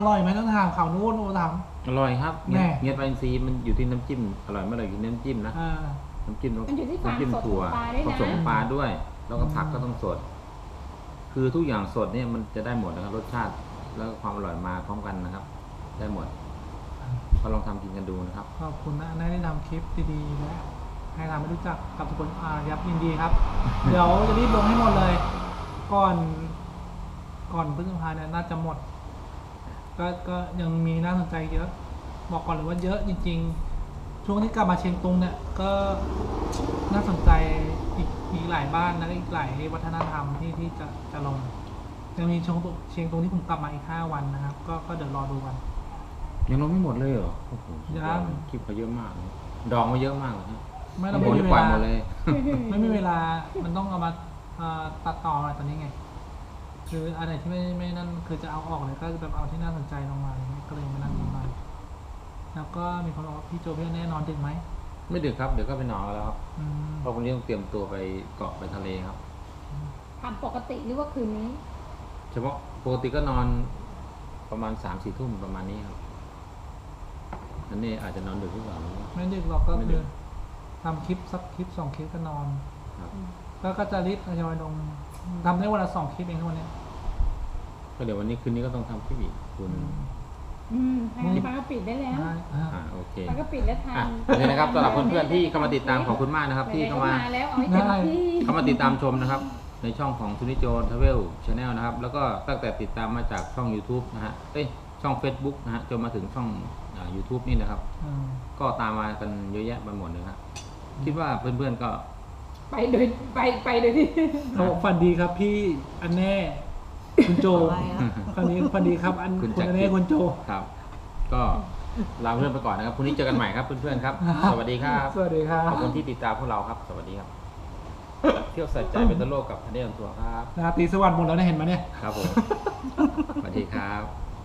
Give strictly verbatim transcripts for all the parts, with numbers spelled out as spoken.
อร่อยไหมต้องถามข่าวนู้นโอ้ถามอร่อยครับแน่เงี้ยปลาอินทรีย์มันอยู่ที่น้ำจิ้มอร่อยไม่อร่อยอยู่ที่น้ำจิ้มนะอ่าน้ำจิ้มมันอยู่ที่ความน้ำจิ้มสดถั่วของปลาด้วยนะผสมปลาด้วย แล้วก็ผักก็ต้องสด คือทุกอย่างสดเนี่ยมันจะได้หมดนะครับรสชาติแล้วก็ความอร่อยมาพร้อมกันนะครับ ได้หมดก็ลองทำกินกันดูนะครับขอบคุณนะอันได้ทำคลิปดีๆและให้ทำให้รู้จักกับทุกคนอ่ายับยินดีครับ เดี๋ยวจะรีบลงให้หมดเลย ก่อน ก่อนพฤษภาเนี่ยน่าจะหมด ก็ก็ยังมีน่าสนใจเยอะ บอกก่อนเลยว่าเยอะจริงๆ ช่วงที่กลับมาเชียงตุงเนี่ยก็น่าสนใจอีกอีกหลายบ้านแล้วก็อีกหลายวัฒนธรรมที่ที่จะจะลงยังมีเชียงตุงเชียงตุงที่ผมกลับมาอีกห้าวันนะครับ ก็ก็เดี๋ยวรอดูกันยังลงไม่หมดเลยเหรอโอ้โหยังคลิปเขาเยอะมากเลยดองมาเยอะมากเลยนะไม่เราโอ้ไม่โหมีนี่เวปล่อยลาหมดเลยไม่มีเวลา มันต้องเอามาเอ่อตัดต่ออะไรตอนนี้ไง คืออะไรที่ไม่ไม่นั่นคือจะเอาออกเลยก็แบบเอาที่น่าสนใจลงมาอะไรเงี้ยก็เลยมานั่งดูมาแล้วก็มีคนบอกว่าพี่โจพี่แน่นอนดึกไหมไม่ดึกครับเดี๋ยวก็ไปนอนแล้วครับอืมเพราะวันนี้ต้องเตรียมตัวไปเกาะไปทะเลครับทำปกติหรือว่าคืนนี้เฉพาะปกติก็นอนประมาณสามสี่ทุ่มประมาณนี้ครับอันนี้อาจจะนอนดึกหรือเปล่าไม่รู้ไม่ดึกหรอกก็ไม่ดึคือก ทำคลิปสักคลิปสองคลิปก็นอนครับแล้วก็จะรีบทยอยลงทำได้วันละสองคลิปเองทุกวันเนี้ยก็เดี๋ยววันนี้คืนนี้ก็ต้องทำคลิปอีกคุณอืมทางปลาก็ปิดได้แล้วได้อ่าอ่าโอเคปลาก็ปิดแล้วทาอ่ะงโอเคนะครับสำหรับเพื่อนๆที่เข้ามาติดตามขอบคุณมากนะครับ ที่เข้ามาแล้วเอาให้เต็มที่เข้ามาติดตามชมนะครับ ในช่องของทุนิโจทเวลชาแนลนะครับ แล้วก็ตั้งแต่ติดตามมาจากช่อง YouTube นะฮะเอ้ยช่อง Facebook นะฮะจนมาถึงช่องอ่า YouTube นี่นะครับอืมก็ตามมากันเยอะแยะไปหมดเลยครับคิดว่าเพื่อนๆก็ไปโดยไปไปโดยที่เขาบอกฝันดีครับพี่อันแน่ คุณโจคราวนี้ฝันดีครับอันคุณคุณจักรอันแน่คุณโจครับ ก็ลาเพื่อนไปก่อนนะครับพรุ่งนี้เจอกันใหม่ครับเพื่อนๆครับ สวัสดีครับสวัสดีครับขอบคุณที่ติดตามพวกเราครับ สวัสดีครับ เที่ยวใส่ใจเป็นตะโลกกับทันเดอร์ทัวร์ครับราตรีสวัสดิ์หมดแล้วเนี่ยเห็นไหมเนี่ยครับผม สวัสดีครับ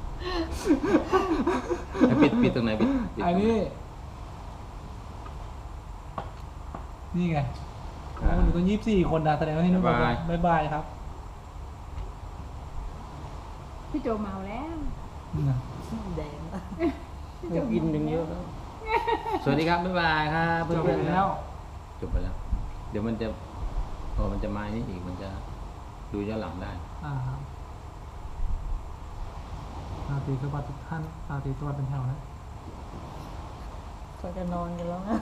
แล้วปิดปิดตรงไหนปิดปิดตอัรนงไหนี้ นี่ไงโอ้หนูต้องยี่สิบสี่คนนะแสดงว่าที่นู่นบ๊ายบายบ๊ายบายครับพี่โจเมาแล้วแดงจะกินหนึ่งเยอะแล้ว สวัสดีครับ บ๊ายบายครับจเพื่บอนไปๆแล้วจบไปแล้ว เดี๋ยวมันจะพอมันจะมานี่อีกมันจะดูย้อนหลังได้อ่าครับราตรีสวัสดิ์ทุกท่านราตรีสวัสดิ์เป็นแถวนะเขาจะนอนกันแล้วนะ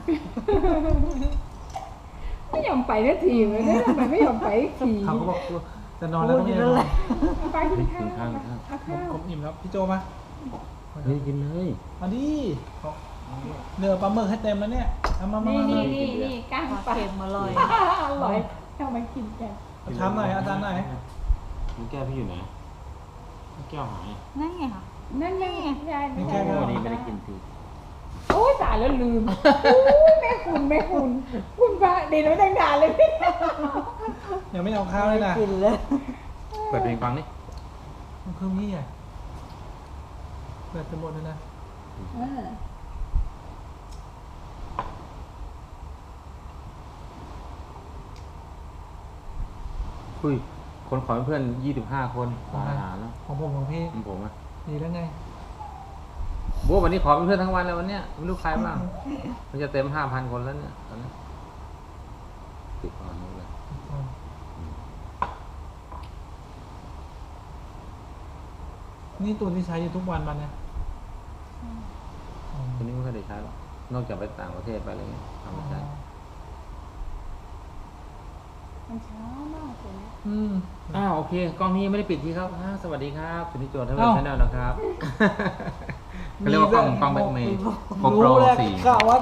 ไม่ยอมไปสักทีเลยนะทำไมไม่ยอมไปสักทีเขาก็บอกว่าจะนอนแล้วก็ไม่ได้นอนเอาไปกินข้าวกินข้าวกินข้าวเอาผข้าม วผมอิ่มแล้วพี่โจมาเฮ้ยกินเลยมาดิเหลือปลาหมึกให้เต็มแล้วเนี่ยเอามามานี่มานี่มานี่นี่ก้างปลาปลาเค็มอร่อยอร่อยเอามากินกันเอาช้ำหน่อยอาจารย์หน่อยมันแก้วพี่อยู่ไหนแก้วหายนั่นไงค่ะนั่นไงยายไม่แก้โอ้วนี่ไม่ได้กินทีโอ้ยตายแล้วลืมโอ้ยแม่คุณแม่คุณคุณพระเดี๋ยวไม่ตั้งนานเลยพี่ยังไม่เอาข้าวเลยนะกินเลยเปิดเพลงฟังนี่มันคือนี่อ่ะเปิดจะหมดเลยนะเออคุยคนขอเป็นเพื่อนยี่สิบห้าคนขออาหารแล้วของผมของพี่ของผมอ่ะดีแล้วไงโบ้วันนี้ขอเป็นเพื่อนทั้งวันเลยวันเนี้ยไม่รู้ใครบ้าง มันจะเต็มห้าพันคนแล้วเนี่ยตอนนี้ติดอ่อนหมดเลยนี่ตัวที่ใช้อยู่ทุกวันมันเนี่ยคนนี้ไม่ค่อยได้ใช้หรอกนอกจากไปต่างประเทศไปอะไรเงี้ยทำไม่ใช่มันช้ามากเลยนะอืมอ้าวโอเคกล้องนี้ยังไม่ได้ปิดทีครับอ่าสวัสดีครับสุนิจโจทเวลเอ้าชาแนลนะครับเขาเรียกว่ากล้องกล้องแบ็คเมย์โกโปรรู้แล้วสี่กะว่า